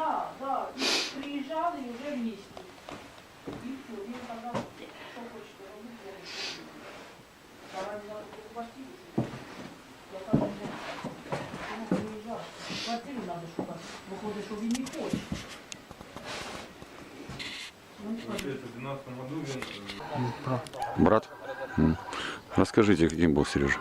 Да, да. И приезжал и уже вместе. И все, и тогда что хочет робить, я не знаю. Давай на квартиру. Я там не приезжал. Квартиру надо шукать. Выходит, что вы не хочет. Брат? Расскажите, каким был Сережа?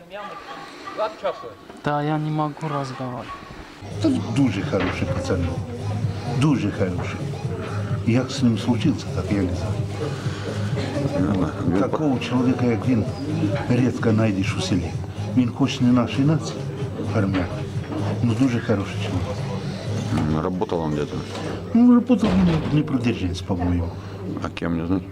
Да, я не могу разговаривать. Це дуже хороший пацан. Дуже хороший. Як з ним случився, так я не знаю. Такого чоловіка, як він, рідко знайдеш у селі. Він хоч не нашої нації, армян, але дуже хороший чоловік. Работал он где-то? Ну, работал він не продержанец, по-моєму. А кем, не знаю?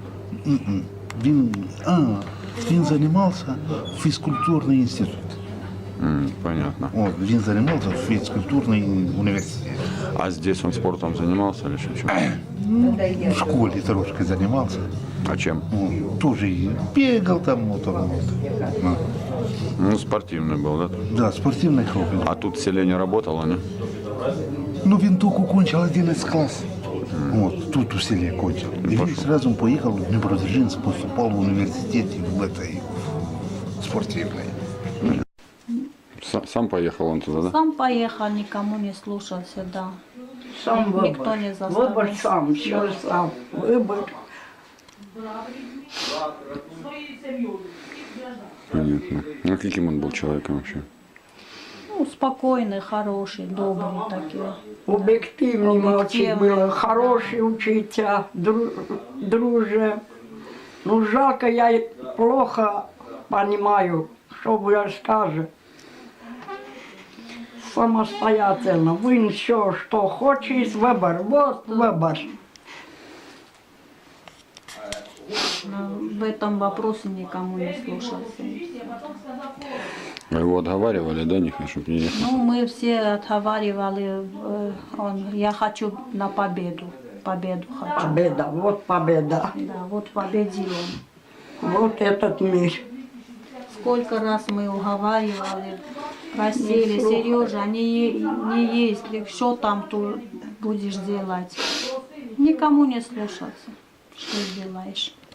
Він займався в фізкультурний інститут. Понятно. От, він займався в фізкультурний університет. А здесь он спортом занимался или чем? В школі трошки займався. А чем? Тоже и бегал там, вот. Ну, спортивный был, да? Да, спортивный хобби. А тут в селе не работало, не? Ну, він тільки кончил 11 класс. Вот, тут у селе кончил. И він сразу поехал в Днепродзержинск, поступал в университет в этой спортивной. Сам поехал он туда, да? Сам поехал, никому не слушался, да. Сам выбор. Никто не заставил. Выбор сам, все сам. Выбор. Своей семьей. Понятно. Ну, каким он был человеком вообще? Ну, спокойный, хороший, добрый такие. Об'єктивний мальчик Об'єктивний. был, хороший учитель, друже. Ну, жалко, я плохо понимаю, что вы скажете. Самостоятельно. Він все, что хочет, выбор. Вот выбор. Но в этом вопросе никому не слушался. Вы его отговаривали, да, чтобы не ехал? Ну, мы все отговаривали, я хочу на победу. Победу хочу. Победа, вот победа. Да, вот победил он. Вот этот мир. Сколько раз мы уговаривали, просили, Сережа, не если, что там ты будешь делать? Никому не слушаться. Что сделаешь?